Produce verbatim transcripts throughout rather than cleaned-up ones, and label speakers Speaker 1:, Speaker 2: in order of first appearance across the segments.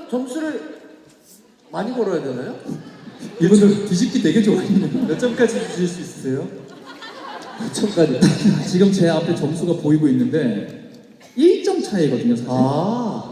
Speaker 1: 점수를 많이 걸어야 되나요?
Speaker 2: 이분들 뒤집기 되게 좋아했네요.
Speaker 3: 몇 점까지 주실 수 있으세요?
Speaker 1: 구 점까지.
Speaker 2: 지금 제 앞에 점수가 보이고 있는데 일 점 차이거든요, 사실.
Speaker 1: 아.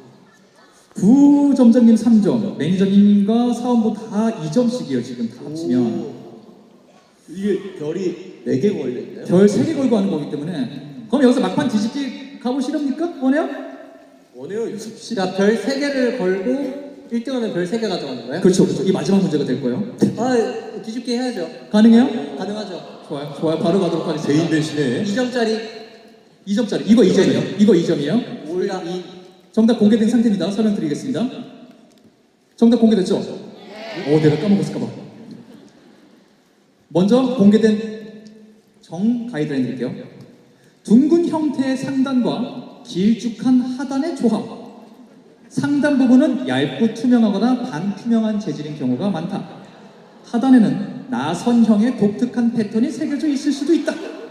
Speaker 2: 부점장님 삼 점, 매니저님과 사원부 다 이 점씩이에요, 지금 다 합치면.
Speaker 1: 오. 이게 별이 네 개 걸려있나요?
Speaker 2: 별 세 개 걸고 하는 거기 때문에. 그럼 여기서 막판 뒤집기 가보시렵니까? 원해요?
Speaker 1: 원해요, 유섭 씨.
Speaker 4: 자, 별 세 개를 걸고 일 등 하면 별 세 개 가져가는 거예요?
Speaker 2: 그렇죠, 그렇죠. 이 마지막 문제가 될 거예요.
Speaker 4: 아, 뒤집기 해야죠.
Speaker 2: 가능해요?
Speaker 4: 가능하죠.
Speaker 2: 좋아요, 좋아요. 바로 가도록 하겠습니다.
Speaker 1: 개인 대신에
Speaker 4: 이 점짜리
Speaker 2: 이 점짜리. 이거 이 점이요. 이거 이 점이에요.
Speaker 4: 올 이.
Speaker 2: 정답 공개된 상태입니다. 설명드리겠습니다. 정답 공개됐죠? 오, 내가 까먹었을까봐. 먼저 공개된 정 가이드라인 드릴게요. 둥근 형태의 상단과 길쭉한 하단의 조합. 상단 부분은 얇고 투명하거나 반투명한 재질인 경우가 많다. 하단에는 나선형의 독특한 패턴이 새겨져 있을 수도 있다.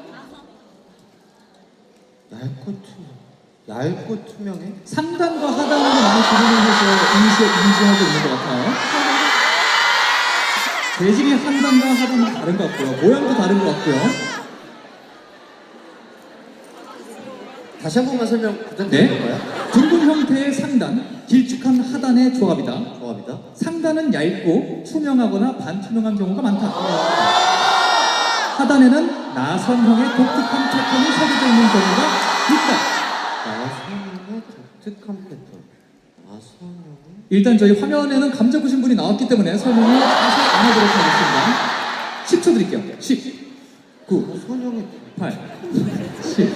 Speaker 1: 얇고 투명. 얇고 투명해?
Speaker 2: 상단과 하단으로 많이 구분을 해서 인식, 인지하고 있는 것 같아요. 재질이 상단과 하단은 다른 것 같고요. 모양도 다른 것 같고요.
Speaker 1: 다시 한 번만 설명 부탁드릴까요?
Speaker 2: 네. 둥근 형태의 상단, 길쭉한 하단의 조합이다.
Speaker 1: 조합이다.
Speaker 2: 상단은 얇고 투명하거나 반투명한 경우가 많다. 하단에는 나선형의 독특한 패턴이 새겨져 있는 경우가 있다.
Speaker 1: 나선형의 독특한 패턴. 나선형의
Speaker 2: 일단 저희 화면에는 감 잡으신 분이 나왔기 때문에 설명을 다시 안 하도록 하겠습니다. 십 초 드릴게요. 십, 구,
Speaker 1: 나선형의
Speaker 2: 팔, 칠,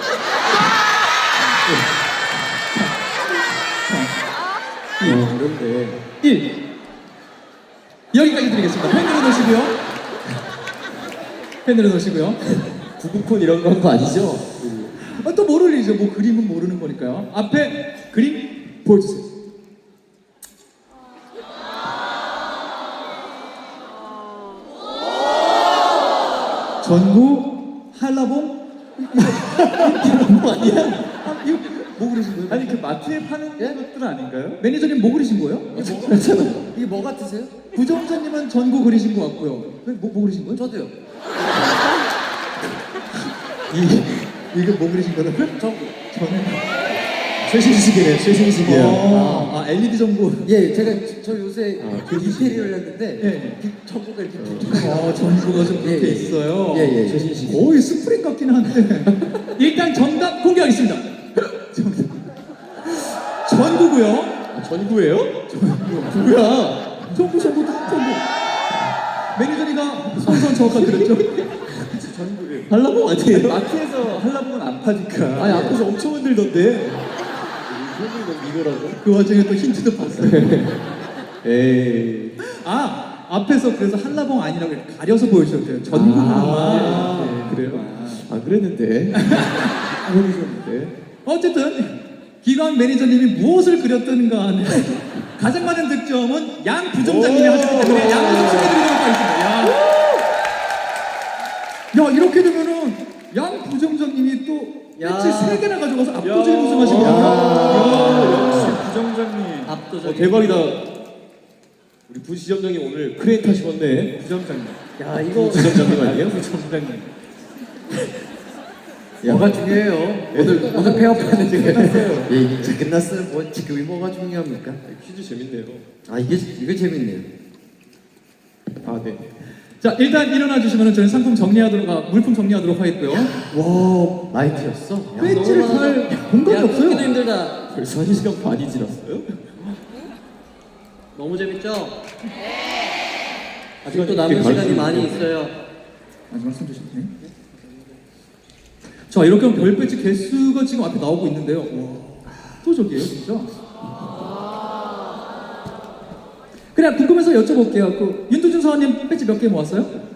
Speaker 1: 어, 어려운데.
Speaker 2: 일. 여기까지 드리겠습니다. 펜 내려놓으시고요. 펜 내려놓으시고요.
Speaker 1: 구구콘 이런 거 한 거 아니죠?
Speaker 2: 아, 또 모를 일이죠. 뭐 그림은 모르는 거니까요. 앞에 그림 보여주세요. 전구 한라봉 이거 뭐 아니야? 아, 이거 뭐 그리신 거예요?
Speaker 3: 아니 그 마트에 파는
Speaker 1: 예?
Speaker 3: 것들 아닌가요?
Speaker 2: 매니저님 뭐 그리신 거예요?
Speaker 1: 이게 뭐 같으세요?
Speaker 2: 부정자님은 전구 그리신 거 같고요. 뭐, 뭐 그리신 거예요?
Speaker 1: 저도요.
Speaker 2: 이, 이거 뭐 그리신 거라고요?
Speaker 1: 전구.
Speaker 2: 저는
Speaker 1: 최신식이네, 최신식이야.
Speaker 2: 어, 아 엘이디 전구.
Speaker 1: 예, 제가 저 요새
Speaker 2: 아,
Speaker 1: 그 인테리어를 했는데
Speaker 2: 예.
Speaker 1: 비- 전구가 이렇게 독특하게
Speaker 2: 어, 전구가 좀
Speaker 1: 예,
Speaker 2: 그렇게
Speaker 1: 예.
Speaker 2: 있어요.
Speaker 1: 예, 예, 최신식.
Speaker 2: 거의 스프링 같긴 한데. 일단 정답 공개하겠습니다. 정답. 전구고요.
Speaker 1: 아, 전구예요?
Speaker 2: 뭐야? 전구, 전구, 전구. 매니저리가 선선 정확하게 그랬죠?
Speaker 1: 전구예요.
Speaker 2: 발라보 아니에요?
Speaker 3: 마트에서 한라봉은 안 파니까.
Speaker 2: 아니, 앞에서 엄청 흔들던데.
Speaker 1: 이거는 이거라고?
Speaker 2: 그 와중에 또 힌트도 봤어요.
Speaker 3: 에이.
Speaker 2: 아, 앞에서 그래서 한라봉 아니라고 이렇게 가려서 보여주셨대요. 전구만.
Speaker 3: 아,
Speaker 2: 네, 그래요.
Speaker 3: 아 그랬는데. 모르셨는데.
Speaker 2: 어쨌든 기관 매니저님이 무엇을 그렸든 간에 가장 많은 득점은 양 부점장님이
Speaker 3: 오.
Speaker 2: 하셨기 때문에 양부점 축하드리도록 하겠습니다. 야. 야, 이렇게 되면은 양 부점장님이 또
Speaker 4: 야.
Speaker 2: 배치 세 개나 가져가서 압도적인
Speaker 3: 야.
Speaker 2: 우승하신 거예요.
Speaker 3: 야, 역시 부점장님.
Speaker 4: 압도적인.
Speaker 3: 어, 대박이다. 우리 부지점장님 오늘 크레인 타시겠네.
Speaker 4: 부점장님.
Speaker 3: 야 이거 부점장님 아니에요?
Speaker 4: 부점장님.
Speaker 1: 뭐가 중요해요? 오늘 오늘 폐업하는 중에 끝났어요. 예, 이제 끝났어요. 뭐 지금 뭐가 중요합니까?
Speaker 3: 퀴즈 재밌네요.
Speaker 1: 아 이게 이게 재밌네요.
Speaker 3: 아 네.
Speaker 2: 자, 일단 일어나 주시면 저희 상품 정리하도록, 아, 물품 정리하도록 하겠고요.
Speaker 1: 와 라이트였어. 야,
Speaker 2: 배지를
Speaker 1: 너무 많아.
Speaker 2: 달 공간이
Speaker 4: 야,
Speaker 2: 없어요.
Speaker 4: 끊기도 힘들다.
Speaker 3: 벌써 한 시간 반이 지났어요?
Speaker 4: 너무 재밌죠?
Speaker 3: 네.
Speaker 4: 아직도 남은 시간이 많이 있어요.
Speaker 2: 마지막 손 주시네. 자, 이렇게 하면 별 배지 개수가 지금 앞에 나오고 있는데요. 와, 압도적이에요, 진짜. 그래, 궁금해서 여쭤볼게요. 그 윤두준 사원님 배지 몇 개 모았어요?